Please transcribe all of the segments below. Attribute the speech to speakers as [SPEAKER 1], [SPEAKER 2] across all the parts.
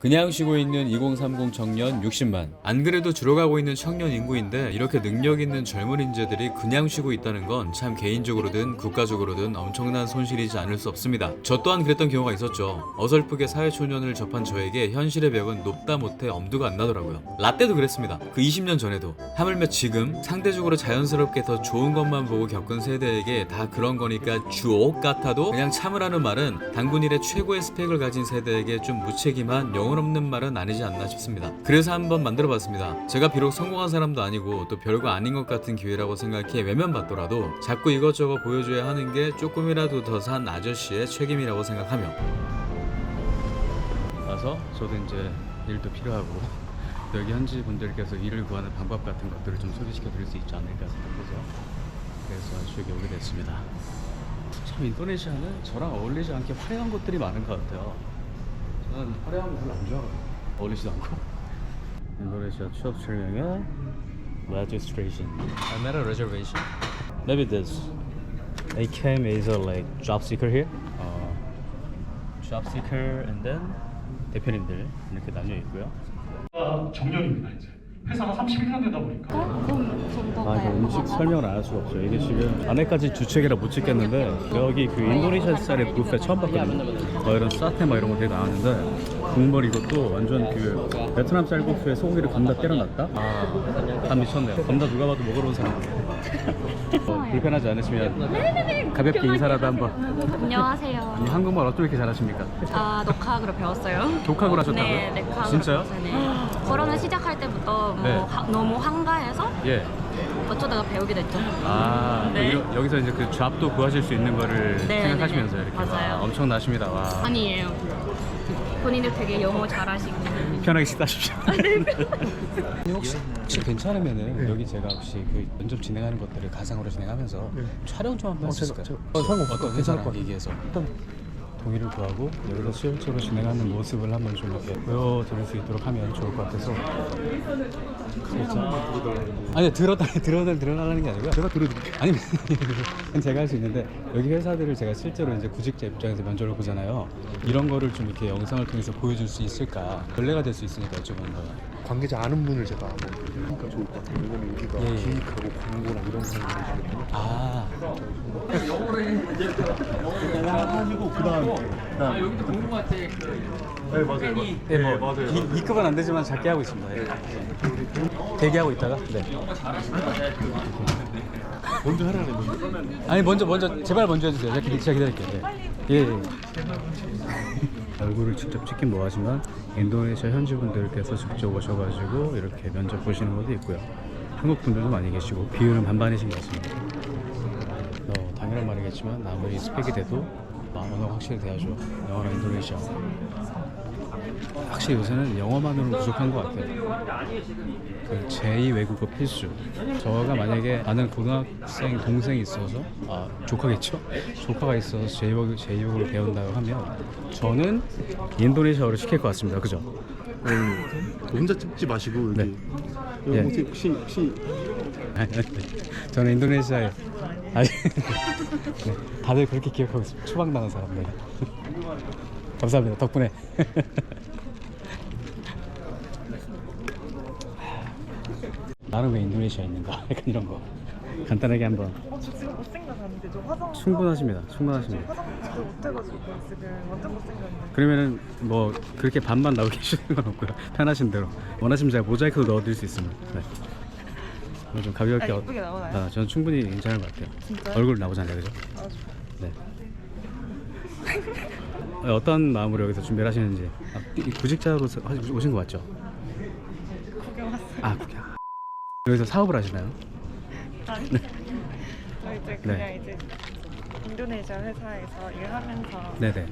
[SPEAKER 1] 그냥 쉬고 있는 2030 청년 60만. 안 그래도 줄어가고 있는 청년 인구인데 이렇게 능력 있는 젊은 인재들이 그냥 쉬고 있다는 건 참 개인적으로든 국가적으로든 엄청난 손실이지 않을 수 없습니다. 저 또한 그랬던 경우가 있었죠. 어설프게 사회초년을 접한 저에게 현실의 벽은 높다 못해 엄두가 안 나더라고요. 라떼도 그랬습니다. 그 20년 전에도. 하물며 지금 상대적으로 자연스럽게 더 좋은 것만 보고 겪은 세대에게 다 그런 거니까 주옥 같아도 그냥 참으라는 말은 단군 일의 최고의 스펙을 가진 세대에게 좀 무책임한 영혼 없는 말은 아니지 않나 싶습니다. 그래서 한번 만들어봤습니다. 제가 비록 성공한 사람도 아니고 또 별거 아닌 것 같은 기회라고 생각해 외면받더라도 자꾸 이것저것 보여줘야 하는 게 조금이라도 더 산 아저씨의 책임이라고 생각하며 와서 저도 이제 일도 필요하고 여기 현지 분들께서 일을 구하는 방법 같은 것들을 좀 소개시켜 드릴 수 있지 않을까 생각해서 그래서 여기 오게 됐습니다. 참 인도네시아는 저랑 어울리지 않게 화려한 것들이 많은 것 같아요. 저는 화려한 거 별로 안 좋아하거든요. 어울리지도 않고. 인도네시아 취업 설명회 registration. I made a reservation. Maybe this. I came as a like job seeker here. Job seeker and then 대표님들 이렇게 나뉘어 있고요.
[SPEAKER 2] 정년입니다 이제. 회사가 31년 되다 보니까.
[SPEAKER 1] 이거 음식 설명을 안 할 수가 없어요. 이게 지금 안에까지 주책이라 못 찍겠는데 여기 그 인도네시아 쌀의 뷔페 처음 봤거든요. 이런 사테 막 이런 거 되게 나왔는데 국물 이것도 완전 그 베트남 쌀 뷔페에 소고기를 겁나 때려놨다? 다 미쳤네요. 겁나 누가 봐도 먹으러 온 사람이에요. 불편하지 않으시면 가볍게 인사라도 한번.
[SPEAKER 3] 안녕하세요.
[SPEAKER 1] 아니, 한국말 어떻게 이렇게 잘하십니까?
[SPEAKER 3] 녹화학으로 배웠어요.
[SPEAKER 1] 독학을 하셨다고요?
[SPEAKER 3] 네, 녹화학으로
[SPEAKER 1] 진짜요?
[SPEAKER 3] 배웠어요. 네. 코로나 시작할 때부터 뭐
[SPEAKER 1] 네.
[SPEAKER 3] 너무 한가해서
[SPEAKER 1] 예.
[SPEAKER 3] 어쩌다가 배우게 됐죠.
[SPEAKER 1] 네. 여기서 이제 그 잡도 구하실 수 있는 거를
[SPEAKER 3] 네,
[SPEAKER 1] 생각하시면서
[SPEAKER 3] 네,
[SPEAKER 1] 이렇게.
[SPEAKER 3] 맞아요.
[SPEAKER 1] 엄청나십니다. 와.
[SPEAKER 3] 아니에요. 본인도 되게 영어 잘하시고.
[SPEAKER 1] 편하게 식사하십시오. 혹시 괜찮으면은 여기 제가 혹시 그 면접 진행하는 것들을 가상으로 진행하면서 촬영 좀 한번 할 수 있을까요?
[SPEAKER 2] 상관없어요.
[SPEAKER 1] 괜찮을 것 같아요. 얘기해서 동의를 구하고 여기서 실제로 진행하는 모습을 한번 좀 이렇게 보여드릴 수 있도록 하면 좋을 것 같아서. 아니 드러나는 게 아니고요. 제가 들어드릴게요. 아니 제가 할 수 있는데 여기 회사들을 제가 실제로 이제 구직자 입장에서 면접을 보잖아요. 이런 거를 좀 이렇게 영상을 통해서 보여줄 수 있을까 전례가 될 수 있으니까 여쭤보는 거예요.
[SPEAKER 2] 관계자 아는 분을 제가 그러니까 좋을 것 같아요. 왜냐면 여기가 기획하고 광고나 이런 사람들이시거든요. 가지고 그다음
[SPEAKER 1] 여기도 궁금할 때
[SPEAKER 2] 네 맞아요.
[SPEAKER 1] 네, 맞아요. 2급은 안 되지만 작게 하고 있습니다. 네. 대기하고 있다가 네.
[SPEAKER 2] 먼저 하라는 건데.
[SPEAKER 1] 아니 먼저 제발 먼저 해주세요. 제가 기다릴게요. 네. 예. 얼굴을 직접 찍긴 뭐하지만 인도네시아 현지 분들께서 직접 오셔가지고 이렇게 면접 보시는 것도 있고요. 한국 분들도 많이 계시고 비율은 반반이신 것 같습니다. 당연한 말이겠지만 아무리 스펙이 돼도 언어가 확실히 돼야죠. 영어나 인도네시아. 확실히 요새는 영어만으로는 부족한 것 같아요. 그 제2 외국어 필수. 저가 만약에 아는 고등학생 동생이 있어서 조카겠죠? 조카가 있어서 제2외국어를 배운다고 하면 저는 인도네시아어를 시킬 것 같습니다. 그죠?
[SPEAKER 2] 혼자 찍지 마시고 여기.
[SPEAKER 1] 네.
[SPEAKER 2] 여기
[SPEAKER 1] 예.
[SPEAKER 2] 혹시
[SPEAKER 1] 아니, 저는 인도네시아에 네, 다들 그렇게 기억하고 있습니다. 추방당한 사람들. 감사합니다. 덕분에. 나는 왜 인도네시아에 있는가? 약간 이런 거 간단하게 한번.
[SPEAKER 4] 지금 못생겨졌는데 저 화장
[SPEAKER 1] 충분하십니다.
[SPEAKER 4] 화장 진짜 못해가지고 지금 완전 못생겼는데.
[SPEAKER 1] 그러면은 뭐 그렇게 반만 나오게 해주는 건 없고요. 편하신 대로 원하시면 제가 모자이크도 넣어드릴 수 있습니다. 네. 오늘 좀 가볍게.
[SPEAKER 4] 예쁘게 나오나요?
[SPEAKER 1] 저는 충분히 괜찮을 것 같아요.
[SPEAKER 4] 진짜요?
[SPEAKER 1] 얼굴 나오잖아요, 그죠? 네. 어떤 마음으로 여기서 준비를 하시는지. 구직자로 오신 거 맞죠?
[SPEAKER 4] 구경 왔어요.
[SPEAKER 1] 구경. 여기서 사업을 하시나요?
[SPEAKER 4] 아니.
[SPEAKER 1] 네.
[SPEAKER 4] 저 이제 그냥 이제 인도네시아 회사에서 일하면서
[SPEAKER 1] 네네.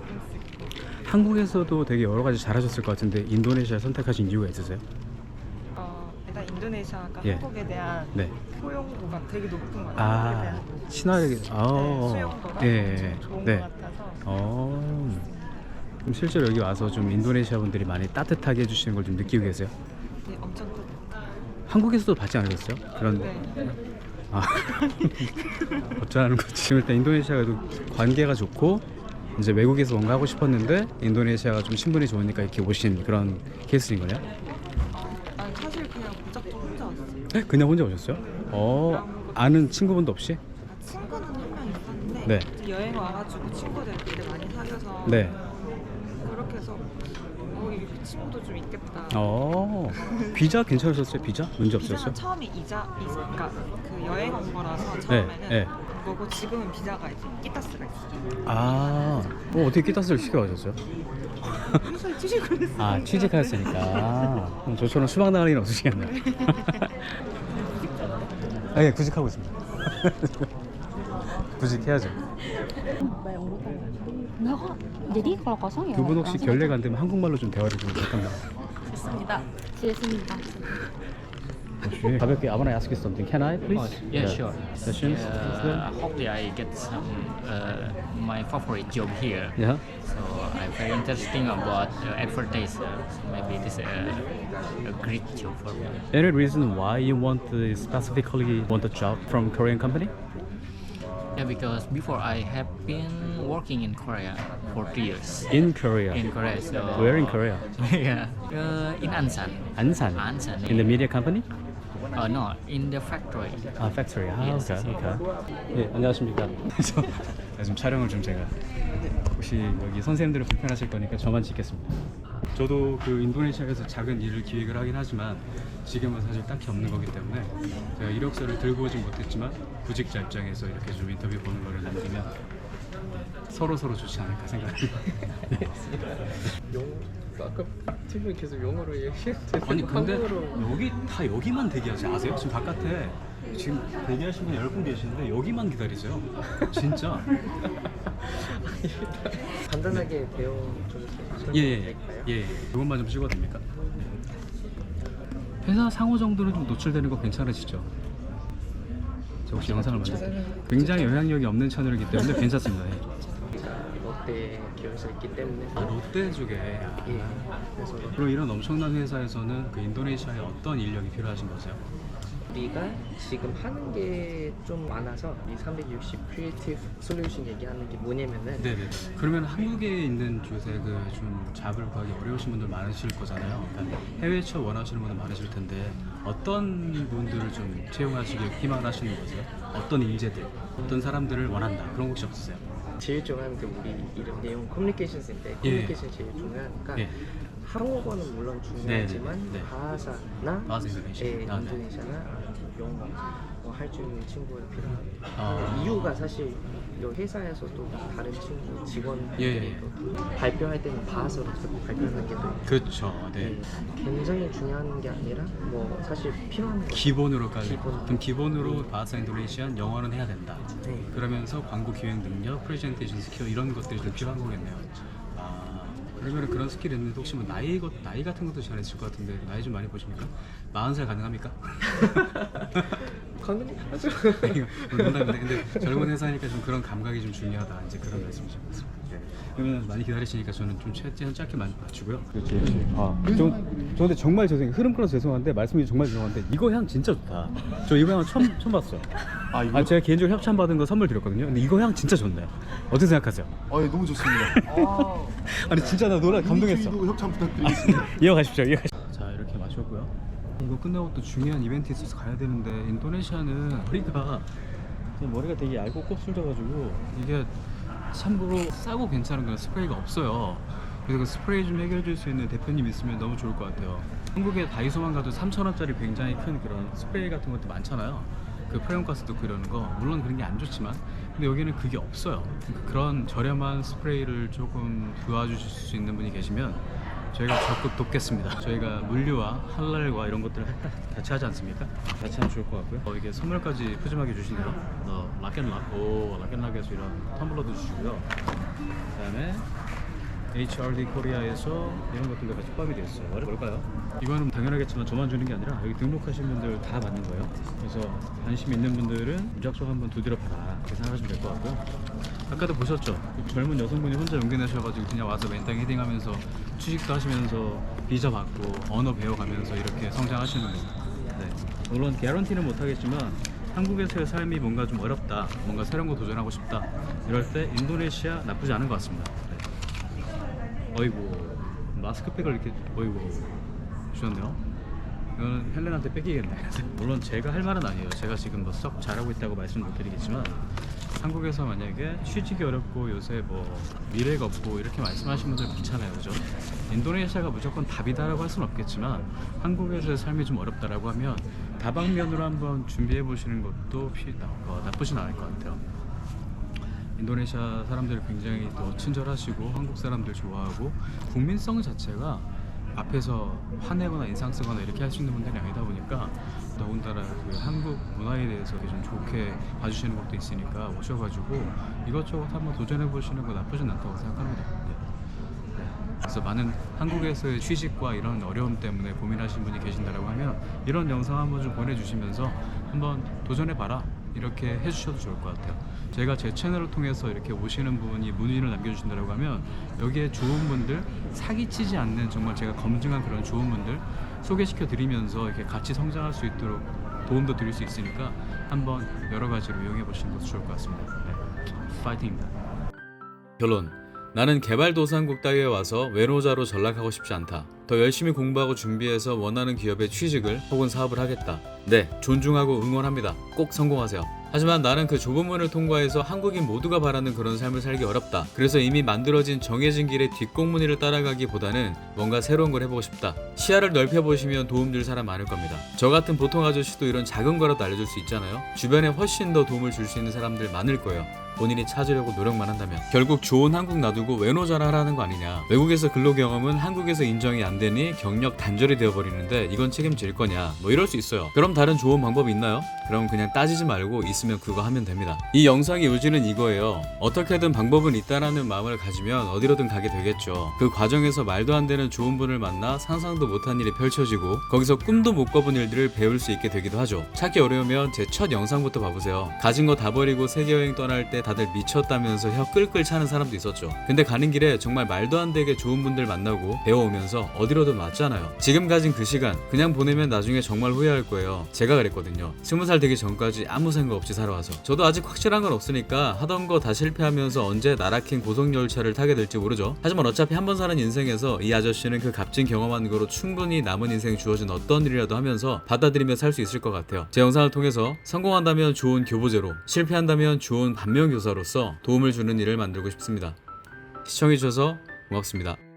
[SPEAKER 1] 한국에서도 되게 여러 가지 잘하셨을 것 같은데 인도네시아 선택하신 이유가 있으세요?
[SPEAKER 4] 일단 인도네시아가
[SPEAKER 1] 예.
[SPEAKER 4] 한국에 대한
[SPEAKER 1] 네.
[SPEAKER 4] 포용도가 되게 높은 것 같아요. 한국에 대한
[SPEAKER 1] 친화력이.
[SPEAKER 4] 수용도가
[SPEAKER 1] 예.
[SPEAKER 4] 엄청 좋은
[SPEAKER 1] 네.
[SPEAKER 4] 것 같아서.
[SPEAKER 1] 그럼 실제로 여기 와서 좀 인도네시아 분들이 많이 따뜻하게 해주시는 걸 좀 느끼고 계세요?
[SPEAKER 4] 네, 엄청 또.
[SPEAKER 1] 한국에서도 받지 않으셨어요? 그런.
[SPEAKER 4] 네.
[SPEAKER 1] 어쩌라는 거지. 지금 일단 인도네시아가 관계가 좋고
[SPEAKER 5] 이제 외국에서 뭔가 하고 싶었는데 인도네시아가 좀 신분이 좋으니까 이렇게 오신 그런 케이스인 거냐?
[SPEAKER 4] 아니 사실 그냥 무작정 혼자 왔어요.
[SPEAKER 5] 그냥 혼자 오셨어요? 아는 친구분도 없이?
[SPEAKER 4] 친구는 한 명 있었는데
[SPEAKER 5] 네.
[SPEAKER 4] 이제 여행 와가지고 친구들끼리 많이 사귀어서
[SPEAKER 5] 네.
[SPEAKER 4] 그렇게 해서 이 친구도 좀 있겠다.
[SPEAKER 5] 비자 괜찮으셨어요? 비자? 문제 없었어요?
[SPEAKER 4] 비자는 처음에 그러니까 그 여행 온 거라서 처음에는
[SPEAKER 5] 네.
[SPEAKER 4] 그거고 지금은 비자가 이제 끼타스가 있어요.
[SPEAKER 5] 어떻게 끼따스를 시켜가셨어요?
[SPEAKER 4] 평소에 취직을 했어요.
[SPEAKER 5] 취직하셨으니까 저처럼 수박 나갈 일은 없으시겠네요. 예, 구직하고 있습니다. 구직해야죠.
[SPEAKER 3] Enggak kok. Jadi kalau kosong ya.
[SPEAKER 5] 두 분 혹시 결례가 안 되면 한국말로 좀 대화를 좀 부탁합니다.
[SPEAKER 3] 좋습니다. 좋습니다.
[SPEAKER 5] 혹시 가볍게 I wanna ask you something. Can I please?
[SPEAKER 6] Yeah, sure.
[SPEAKER 5] Questions?
[SPEAKER 6] Hopefully I get some my favorite job here.
[SPEAKER 5] Yeah.
[SPEAKER 6] So I'm very interesting about advertiser. So maybe this is a great job for me.
[SPEAKER 5] Any reason why you specifically want a job from Korean company?
[SPEAKER 6] Yeah, because before I have been working in Korea for 3 years.
[SPEAKER 5] In Korea.
[SPEAKER 6] In Korea, so
[SPEAKER 5] Where in Korea?
[SPEAKER 6] yeah, in Ansan.
[SPEAKER 5] Ansan.
[SPEAKER 6] Ansan.
[SPEAKER 5] In the media company?
[SPEAKER 6] No, in the factory.
[SPEAKER 5] 팩토리.
[SPEAKER 6] Yes,
[SPEAKER 5] 오케이. 예, 안녕하십니까. 지금 촬영을 좀 제가 혹시 여기 선생님들은 불편하실 거니까 저만 찍겠습니다. 저도 그 인도네시아에서 작은 일을 기획을 하긴 하지만 지금은 사실 딱히 없는 거기 때문에 제가 이력서를 들고 오진 못했지만 구직자 입장에서 이렇게 좀 인터뷰 보는 거를 남기면 서로 좋지 않을까 생각합니다.
[SPEAKER 2] 아까 팀은 계속 영어로 얘기했는데
[SPEAKER 5] 아니 근데
[SPEAKER 2] 한국어로
[SPEAKER 5] 여기만 대기하지 아세요? 지금 바깥에 지금 대기하신 분 10분 계시는데 여기만 기다리세요. 진짜.
[SPEAKER 7] 간단하게 배워 좀 설명드릴까요?
[SPEAKER 5] 예. 이것만 좀 찍어도 됩니까? 회사 상호 정도는 좀 노출되는 거 괜찮으시죠? 저 혹시 영상을 만들 굉장히 영향력이 없는 채널이기 때문에 괜찮습니다. 예.
[SPEAKER 7] 롯데 기업에서 있기 때문에
[SPEAKER 5] 롯데 쪽에.
[SPEAKER 7] 예. 그래서
[SPEAKER 5] 그럼 이런 엄청난 회사에서는 그 인도네시아에 어떤 인력이 필요하신 거세요?
[SPEAKER 7] 우리가 지금 하는 게 좀 많아서 이 360 크리에이티브 솔루션 얘기하는 게 뭐냐면은
[SPEAKER 5] 네네. 그러면 한국에 있는 요새 그 좀 잡을 구하기 어려우신 분들 많으실 거잖아요. 그러니까 해외 취업 원하시는 분들 많으실 텐데 어떤 분들을 좀 채용하시길 희망하시는 거세요? 어떤 인재들, 어떤 사람들을 원한다 그런 거 혹시 없으세요?
[SPEAKER 7] 제일 중요한 게 우리 이름 내용 커뮤니케이션인데 커뮤니케이션 제일 중요하니까
[SPEAKER 5] 예.
[SPEAKER 7] 한국어는 물론 중요하지만
[SPEAKER 5] 네.
[SPEAKER 7] 바하사나
[SPEAKER 5] 바하사 인도네시아.
[SPEAKER 7] 인도네시아나 영어 할 줄 있는 친구가 필요합니다.
[SPEAKER 5] 아.
[SPEAKER 7] 이유가 사실 이 회사에서도 다른 친구 직원들이
[SPEAKER 5] 예.
[SPEAKER 7] 발표할 때는 바하사로 발표하는 게 또
[SPEAKER 5] 그렇죠. 네.
[SPEAKER 7] 굉장히 중요한 게 아니라 뭐 사실 필요한 거
[SPEAKER 5] 기본으로까지.
[SPEAKER 7] 기본.
[SPEAKER 5] 그럼 기본으로 바하사 인도네시안 영어는 해야 된다.
[SPEAKER 7] 네.
[SPEAKER 5] 그러면서 광고 기획 능력, 프레젠테이션 스킬 이런 것들이 좀 필요한 거겠네요. 그러면 그런 스킬이 있는데 혹시 뭐 나이 같은 것도 잘 있을 것 같은데 나이 좀 많이 보십니까? 40살 가능합니까?
[SPEAKER 7] 가능하죠.
[SPEAKER 5] 농담인데 근데 젊은 회사니까 좀 그런 감각이 좀 중요하다 이제 그런 말씀이신 것 같습니다. 그러면 많이 기다리시니까 저는 좀 최대한 짧게 맞추고요. 그렇지. 저 근데 정말 죄송해요. 흐름 끊어서 죄송한데 말씀이 정말 죄송한데 이거 향 진짜 좋다. 저 이거 향 처음 봤어요. 제가 개인적으로 협찬 받은 거 선물 드렸거든요. 근데 이거 향 진짜 좋네. 어떻게 생각하세요?
[SPEAKER 2] 예, 너무 좋습니다.
[SPEAKER 5] 아니 진짜 나 노래 감동했어.
[SPEAKER 2] 저희도 협찬 부탁드리겠습니다.
[SPEAKER 5] 이어가십시오. 자 이렇게 마셨고요. 이거 끝나고 또 중요한 이벤트 있어서 가야 되는데 인도네시아는 머리가 되게 얇고 곱슬져가지고 이게 참고로 싸고 괜찮은 그런 스프레이가 없어요. 그래서 그 스프레이 좀 해결해 줄 수 있는 대표님 있으면 너무 좋을 것 같아요. 한국에 다이소만 가도 3,000원짜리 굉장히 큰 그런 스프레이 같은 것도 많잖아요. 그 프레온가스 넣고 이러는 거 물론 그런 게 안 좋지만 근데 여기는 그게 없어요. 그러니까 그런 저렴한 스프레이를 조금 도와주실 수 있는 분이 계시면 저희가 적극 돕겠습니다. 저희가 물류와 할랄과 이런 것들을 같이 하지 않습니까? 같이 하면 좋을 것 같고요. 이게 선물까지 푸짐하게 주시네요. 락앤락, 락앤락에서 이런 텀블러도 주시고요. 그다음에 HRD 코리아에서 이런 것들도 같이 포함이 되어 있어요. 뭘까요? 이거는 당연하겠지만 저만 주는 게 아니라 여기 등록하신 분들 다 받는 거예요. 그래서 관심 있는 분들은 무작정 한번 두드려 봐라 이렇게 생각하시면 될 것 같고요. 아까도 보셨죠? 젊은 여성분이 혼자 용기 내셔가지고 그냥 와서 멘탈 헤딩하면서 취직도 하시면서 비자 받고 언어 배워가면서 이렇게 성장하시는 거예요. 네. 물론 개런티는 못하겠지만 한국에서의 삶이 뭔가 좀 어렵다, 뭔가 새로운 거 도전하고 싶다, 이럴 때 인도네시아 나쁘지 않은 것 같습니다. 네. 어이구, 마스크팩을 이렇게 어이구 주셨네요. 이거는 헬렌한테 뺏기겠네. 물론 제가 할 말은 아니에요. 제가 지금 뭐 썩 잘하고 있다고 말씀 못 드리겠지만, 한국에서 만약에 취직이 어렵고 요새 뭐 미래가 없고 이렇게 말씀하시는 분들 많잖아요, 그죠? 인도네시아가 무조건 답이다라고 할 수는 없겠지만, 한국에서의 삶이 좀 어렵다라고 하면 다방면으로 한번 준비해 보시는 것도 나쁘진 않을 것 같아요. 인도네시아 사람들이 굉장히 또 친절하시고 한국 사람들 좋아하고, 국민성 자체가 앞에서 화내거나 인상 쓰거나 이렇게 할 수 있는 분들이 아니다 보니까, 더군다나 그 한국 문화에 대해서 좀 좋게 봐주시는 것도 있으니까 오셔가지고 이것저것 한번 도전해 보시는 거 나쁘진 않다고 생각합니다. 네. 그래서 많은 한국에서의 취직과 이런 어려움 때문에 고민하시는 분이 계신다라고 하면 이런 영상 한번 좀 보내주시면서 한번 도전해봐라 이렇게 해주셔도 좋을 것 같아요. 제가 제 채널을 통해서 이렇게 오시는 분이 문의를 남겨주신다고 하면 여기에 좋은 분들, 사기치지 않는 정말 제가 검증한 그런 좋은 분들 소개시켜 드리면서 이렇게 같이 성장할 수 있도록 도움도 드릴 수 있으니까 한번 여러 가지로 이용해 보시는 것도 좋을 것 같습니다. 네. 파이팅입니다.
[SPEAKER 1] 결론. 나는 개발도상국 따위에 와서 외노자로 전락하고 싶지 않다. 더 열심히 공부하고 준비해서 원하는 기업에 취직을 혹은 사업을 하겠다. 네, 존중하고 응원합니다. 꼭 성공하세요. 하지만 나는 그 좁은 문을 통과해서 한국인 모두가 바라는 그런 삶을 살기 어렵다. 그래서 이미 만들어진 정해진 길의 뒷공무니를 따라가기보다는 뭔가 새로운 걸 해보고 싶다. 시야를 넓혀보시면 도움될 사람 많을 겁니다. 저 같은 보통 아저씨도 이런 작은 거라도 알려줄 수 있잖아요. 주변에 훨씬 더 도움을 줄 수 있는 사람들 많을 거예요. 본인이 찾으려고 노력만 한다면. 결국 좋은 한국 놔두고 외노자라 하라는 거 아니냐. 외국에서 근로 경험은 한국에서 인정이 안 되니 경력 단절이 되어버리는데 이건 책임질 거냐, 뭐 이럴 수 있어요. 그럼 다른 좋은 방법이 있나요? 그럼 그냥 따지지 말고 있으면 그거 하면 됩니다. 이 영상의 요지는 이거예요. 어떻게든 방법은 있다라는 마음을 가지면 어디로든 가게 되겠죠. 그 과정에서 말도 안 되는 좋은 분을 만나 상상도 못한 일이 펼쳐지고 거기서 꿈도 못 꿔본 일들을 배울 수 있게 되기도 하죠. 찾기 어려우면 제 첫 영상부터 봐보세요. 가진 거 다 버리고 세계여행 떠날 때 다들 미쳤다면서 혀 끌끌 차는 사람도 있었죠. 근데 가는 길에 정말 말도 안 되게 좋은 분들 만나고 배워오면서 어디로든 왔잖아요. 지금 가진 그 시간 그냥 보내면 나중에 정말 후회할 거예요. 제가 그랬거든요. 20살 되기 전까지 아무 생각 없이 살아와서. 저도 아직 확실한 건 없으니까 하던 거 다 실패하면서 언제 나락행 고속열차를 타게 될지 모르죠. 하지만 어차피 한 번 사는 인생에서 이 아저씨는 그 값진 경험한 거로 충분히 남은 인생 주어진 어떤 일이라도 하면서 받아들이며 살 수 있을 것 같아요. 제 영상을 통해서 성공한다면 좋은 교보제로, 실패한다면 좋은 반면교사로서 도움을 주는 일을 만들고 싶습니다. 시청해주셔서 고맙습니다.